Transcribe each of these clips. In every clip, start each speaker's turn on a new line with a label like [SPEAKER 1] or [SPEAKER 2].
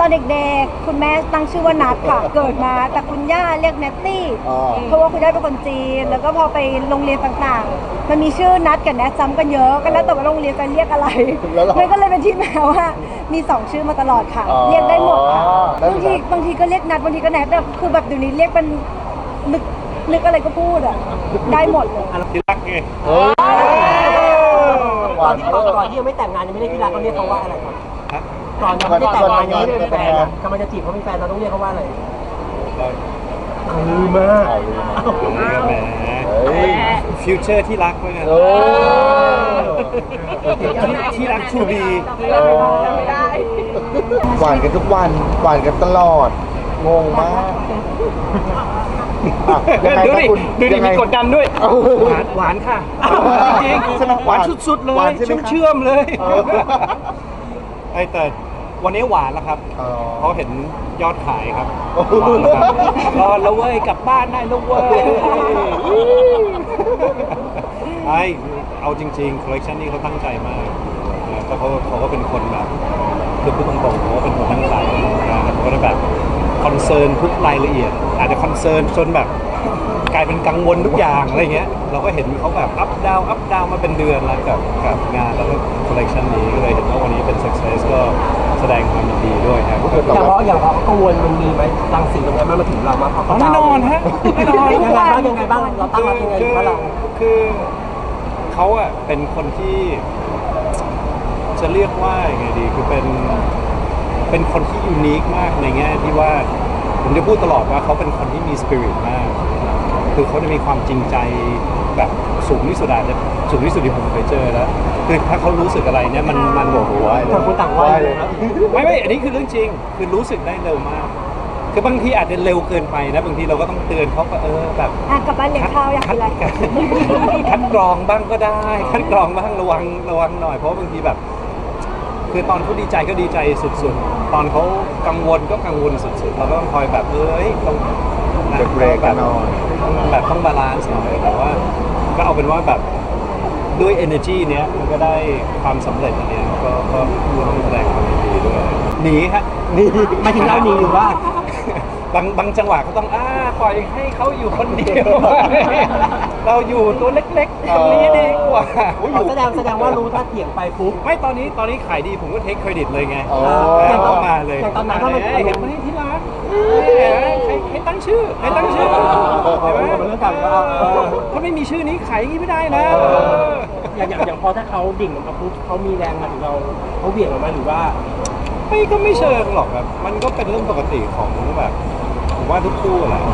[SPEAKER 1] อนเด็กๆคุณแม่ตั้งชื่อว่านัทค่ะเกิดมาแต่คุณย่าเรียกเนตตี้เพราะว่าคุณย่าเป็นคนจีนแล้วก็พอไปโรงเรียนต่างๆมันมีชื่อนัทกับแนทซ้ำกันเยอะก็แล้วแต่ว่าโรงเรียนจะเรียกอะไรมันก็เลยเป็นที่มาว่ามี2ชื่อมาตลอดค่ะเรียกได้หมดค่ะบางทีก็เรียกนัทบางทีก็แนทแบบคือแบบเดี๋ยวนี้เรียกเป็นนึกอะไรก็พูดอ่ะได้หมดเลย
[SPEAKER 2] ที่รักไง
[SPEAKER 3] ก่อนที่ยังไม่แต่งงานยังไม่ได้ที่รักเขาเรียกเขาว่าอะไรครับก่อนยังไม่ได้แต่งงานยังไม่ได้เป็นแฟนกำลังจะจีบเขาเป็นแฟนเราต้องเรียกเขาว่าอะไรลืมมาก
[SPEAKER 2] แหมฟิวเจอร์ที่รักไว้ไงที่รักทูบี
[SPEAKER 4] หวานกันทุกวันหวานกันตลอดงงมาก
[SPEAKER 2] ดูดิมีกดดันด้วยหวานค่ะจริงหวานสุดๆเลยเชื่อมเลยแต่วันนี้หวานแล้วครับเขาเห็นยอดขายครับรอแล้วเว้ยกลับบ้านได้แล้วเว้ยเอาจริงๆคอลเลคชันนี้เขาตั้งใจมากแล้วเขาก็เป็นคนแบบคือพูดตรงๆเขาเป็นคนตั้งใจเขาก็แบบคอนเซิร์นทุกรายละเอียดอาจจะคอนเซิร์นจนแบบกลายเป็นกังวลทุกอย่างอะไรเงี้ยเราก็เห็นเขาแบบอัพดาวมาเป็นเดือนแล้วกับงานแล้วก็คอลเลคชันนี้ก็เลยเห็นว่าวันนี้เป็น success ก็แสดงความยินดีด้วยครับ
[SPEAKER 3] อย่างเขากังวลมันมีไหมรังสีตรงนี้มันมาถึงเรามา
[SPEAKER 2] แน่นอนฮะแน่นอน
[SPEAKER 3] ยังไงบ้างเราตั้งรับยังไงว่าเรา
[SPEAKER 2] คือเขาอะเป็นคนที่จะเรียกว่ายังไงดีคือเป็นคนที่ยูนิคมากในแง่ที่ว่าผมจะพูดตลอดว่าเขาเป็นคนที่มีสปิริตมากคือเขาจะมีความจริงใจแบบสูงที่สุดอาจจะสูงที่สุดที่ผมเคยเจอแล้วคือถ้าเขารู้สึกอะไรเนี่ยมันโอ้โห
[SPEAKER 3] ต่างคนต่างว่าเลยนะ
[SPEAKER 2] ไม่อันนี้คือเรื่องจริงคือรู้สึกได้เร็วมากคือบางทีอาจจะเร็วเกินไปนะบางทีเราก็ต้องเตือนเขาก็แบบ
[SPEAKER 1] กลับบ้านเลี้ยงข้าวอยากกินอะไร
[SPEAKER 2] คัดกรองบ้างก็ได้คัดกรองบ้างระวังหน่อยเพราะบางทีแบบคือตอนเขาดีใจก็ดีใจสุดๆตอนเขากังวลก็กังวลสุดๆเราก็ต้องคอยแบบต้อง
[SPEAKER 4] เบรกกันหน่อย
[SPEAKER 2] แบบต้องบาลานซ์หน่อยแต่ว่าก็เอาเป็นว่าแบบด้วย energy เนี้ยมันก็ได้ความสำเร็จอันเนี้ยก็ต้องแสดงความยินดีด้วยหนีฮะ
[SPEAKER 3] ไม่ถึงเราหนีหรือว่า
[SPEAKER 2] บางจังหวะก็ต้องปล่อยให้เขาอยู่คนเดียวเราอยู่ตัวเล็กๆตรงนี้ดีกว่า
[SPEAKER 3] แสดงว่ารู้ถ้าเถียงไปปุ๊บ
[SPEAKER 2] ไม่ตอนนี้ขายดีผมก็เทคเครดิตเลยไง
[SPEAKER 3] เข้า
[SPEAKER 2] มาเลย
[SPEAKER 3] ตอนนั้นถ้ามัน
[SPEAKER 2] เห็นไหมที่รักใครตั้งชื่อ
[SPEAKER 3] เป็นเรื่องการ
[SPEAKER 2] ถ้าไม่มีชื่อนี้ขายอย่างนี้ไม่ได้นะ
[SPEAKER 3] อย่างพอถ้าเขาดิ่งลงมาปุ๊บเขามีแรงมาถึงเราเขาเบี่ยงออกมาหรือว่า
[SPEAKER 2] ก็ไม่เชิงหรอกครับมันก็เป็นเรื่องปกติของแบบผมว่าทุกคู่แหละ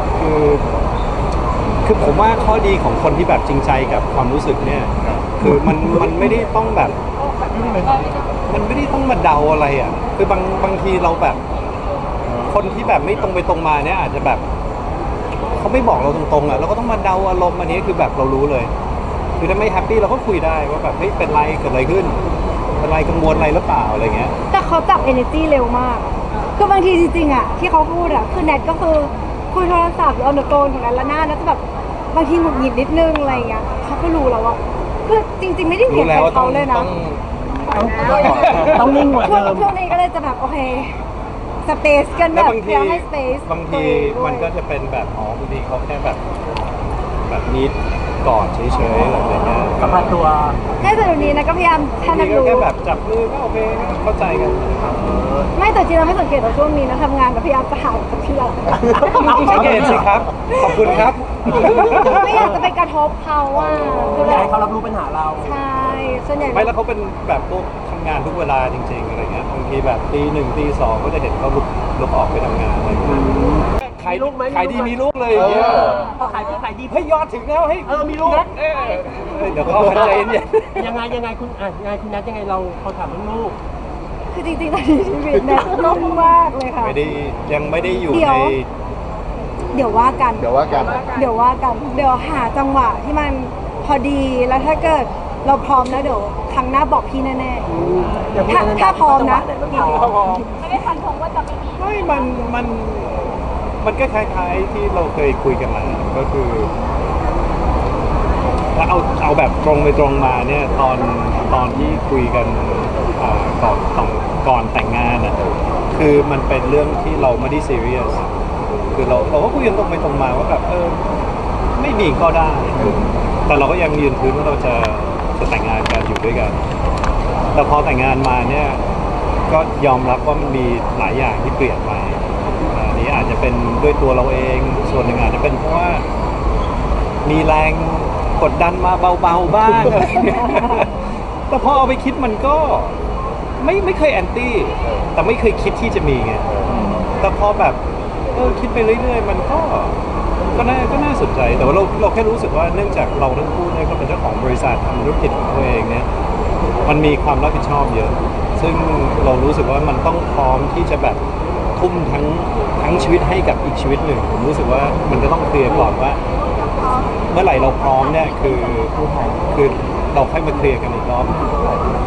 [SPEAKER 2] คือผมว่าข้อดีของคนที่แบบจริงใจกับความรู้สึกเนี่ยคือมันไม่ได้ต้องแบบมันไม่ได้ต้องมาเดาอะไรอ่ะคือบางทีเราแบบคนที่แบบไม่ตรงไปตรงมาเนี่ยอาจจะแบบเขาไม่บอกเราตรงๆอ่ะเราก็ต้องมาเดาอารมณ์อันนี้คือแบบเรารู้เลยคือถ้าไม่แฮปปี้เราก็คุยได้ว่าแบบเฮ้ยเป็นไรเกิดอะไรขึ้นอะไรกังวลอะไรหรือเปล่าอะไรเงี้ย
[SPEAKER 1] แต่เขาจับ energy เร็วมากคือบางทีจริงๆอ่ะที่เขาพูดอ่ะคือแนทก็คือคุยโทรศัพท์เอาเดอะโกนของนั้นละหน้าแล้วจะแบบบางทีหงุดหงิดนิดนึงอะไรเงี้ยเขาก็รู้แล้วว่าคือจริงๆไม่ได้เถียงกับเขาเลยนะ
[SPEAKER 3] ต้องนิ่งหมดเดิม
[SPEAKER 1] ช่วงนี้ก็เลยจะแบบโอเคสเปซกันแบบเพื่อให้สเปซ
[SPEAKER 2] บางทีมันก็จะเป็นแบบบางทีเขาแค่แบบนิดก่อนเฉยๆอะไรเงี้ย
[SPEAKER 3] กับตัว
[SPEAKER 1] แค่แต่เดี๋ยวนี้นะก็พยายามท่านั้นรู้
[SPEAKER 2] แค่แบบจับมือก็โอเคเข้าใจกัน
[SPEAKER 1] ไม่แต่จริงเราไม่สังเกตว่าช่วงนี้นะทำงานกับพยายามจะหากับที่เรา
[SPEAKER 2] สังเกตสิครับขอบคุณครับ
[SPEAKER 1] ไม่อยากจะไปกระทบเขาว่า
[SPEAKER 3] อยากให้เขารับรู้ปัญหาเรา
[SPEAKER 1] ใช่ส่วนใหญ่
[SPEAKER 2] ไม่แล้วเขาเป็นแบบพวกทำงานทุกเวลาจริงๆอะไรเงี้ยบางทีแบบตี 1ตี 2ก็จะเห็นเขาลุกออกไปทำงานอะไรเงี้ยขายลูกไหมขายดีมีลูกเลยอย่างเงี้ย
[SPEAKER 3] พอขายดี
[SPEAKER 2] ให้ยอดถึงแล้วให้
[SPEAKER 3] มีลูก
[SPEAKER 2] เดี๋ยวเขาใจเย็น
[SPEAKER 3] ยังไงคุณนัทยังไงเราเขาถามเรื่องลูก
[SPEAKER 1] คือจริงๆตอนนี้ชีวิตเนี่ยนุ่มมากเลยค่ะ
[SPEAKER 2] ยังไม่ได้อยู่ใน
[SPEAKER 1] เดี๋ยวว่ากันเดี๋ยวหาจังหวะที่มันพอดีแล้วถ้าเกิดเราพร้อมแล้วเดี๋ยวครั้งหน้าบอกพี่แน่ๆถ้าพร้อมนะไม่ได้ฟันธงว่าจะไม่มี
[SPEAKER 2] มันก็คล้ายๆที่เราเคยคุยกันมาก็คือถ้าเอาแบบตรงไปตรงมาเนี่ยตอนที่คุยกันก่อนแต่งงานอ่ะคคือมันเป็นเรื่องที่เราไม่ได้ซีเรียสคือเราก็คุยกันตรงไปตรงมาว่าแบบไม่มีก็ได้ แต่เราก็ยังยืนพื้นว่าเราจะแต่งงานกันอยู่ด้วยกัน แต่พอแต่งงานมาเนี่ยก็ยอมรับว่ามันมีหลายอย่างที่เปลี่ยนไปอันนี้อาจจะเป็นด้วยตัวเราเองส่วนหนึ่งอาจจะเป็นเพราะว่ามีแรงกดดันมาเบาๆบ้าง แต่พอเอาไปคิดมันก็ไม่เคยแอนตี้แต่ไม่เคยคิดที่จะมีไงแต่พอแบบคิดไปเรื่อยๆมันก็น่าสนใจแต่ว่าเราแค่รู้สึกว่าเนื่องจากเราทั้งคู่เนี่ยก็เป็นเจ้าของบริษัททำธุรกิจของตัวเองเนี่ยมันมีความรับผิดชอบเยอะซึ่งเรารู้สึกว่ามันต้องพร้อมที่จะแบบทุ่มทั้งชีวิตให้กับอีกชีวิตหนึ่งผมรู้สึกว่ามันจะต้องเคลียร์ก่อนว่าเมื่อไหร่เราพร้อมเนี่ยคือเราค่อยมาเคลียร์กันอีกรอบ